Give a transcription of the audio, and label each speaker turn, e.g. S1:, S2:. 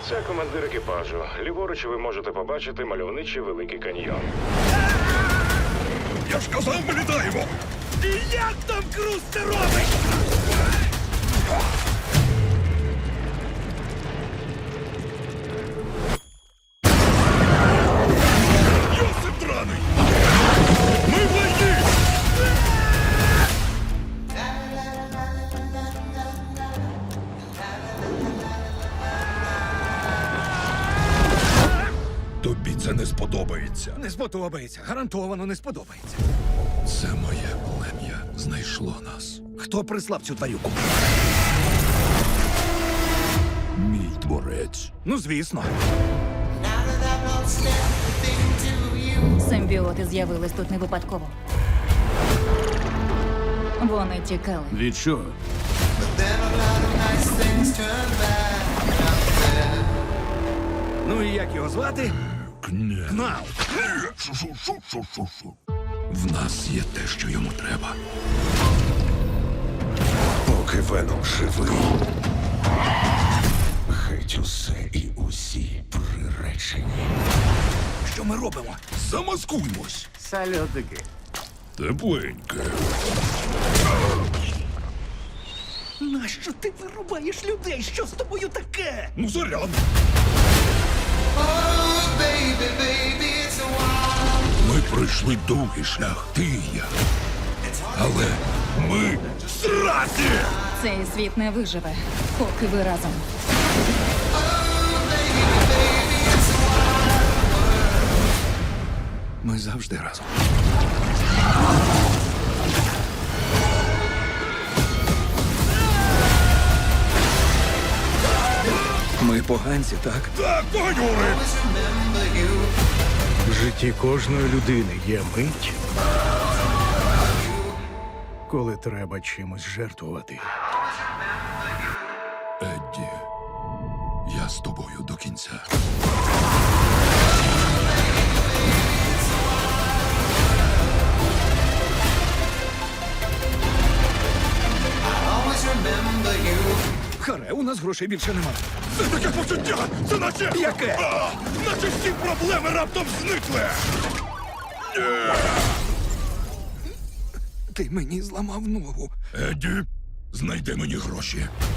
S1: Це командир екіпажу. Ліворуч ви можете побачити мальовничий Великий каньйон.
S2: Я ж казав, ми літаємо!
S3: І як там Круз це робить?
S2: Йосип драний! Ми в війні! Тобі це не сподобається.
S3: Не сподобається, гарантовано не сподобається.
S2: Це моє плем'я знайшло нас.
S3: Хто прислав цю тварюку?
S2: Мій творець.
S3: Ну, звісно.
S4: Симбіоти з'явились тут не випадково. Вони тікали.
S2: Від чого?
S3: Ну і як його звати? Кнал.
S2: В нас є те, що йому треба.
S5: Поки Веном живий, геть усе і усі приречені.
S3: Що ми робимо?
S2: Замаскуймось.
S3: Сальотики.
S2: Тепленьке.
S3: Нащо ти вирубаєш людей? Що з тобою таке?
S2: Ну, заряд. Ми пройшли довгий шлях, ти і я. Але ми зраді!
S4: Цей світ не виживе, поки ви разом.
S3: Ми завжди разом. Ми поганці, так?
S2: Так, погонюри!
S6: В житті кожної людини є мить, коли треба чимось жертвувати.
S2: Едді, я з тобою до кінця.
S3: Харе, у нас грошей більше нема.
S2: Це таке почуття! Це наче...
S3: Яке?
S2: Наче всі проблеми раптом зникли!
S3: Ти мені зламав ногу.
S2: Едді, знайди мені гроші.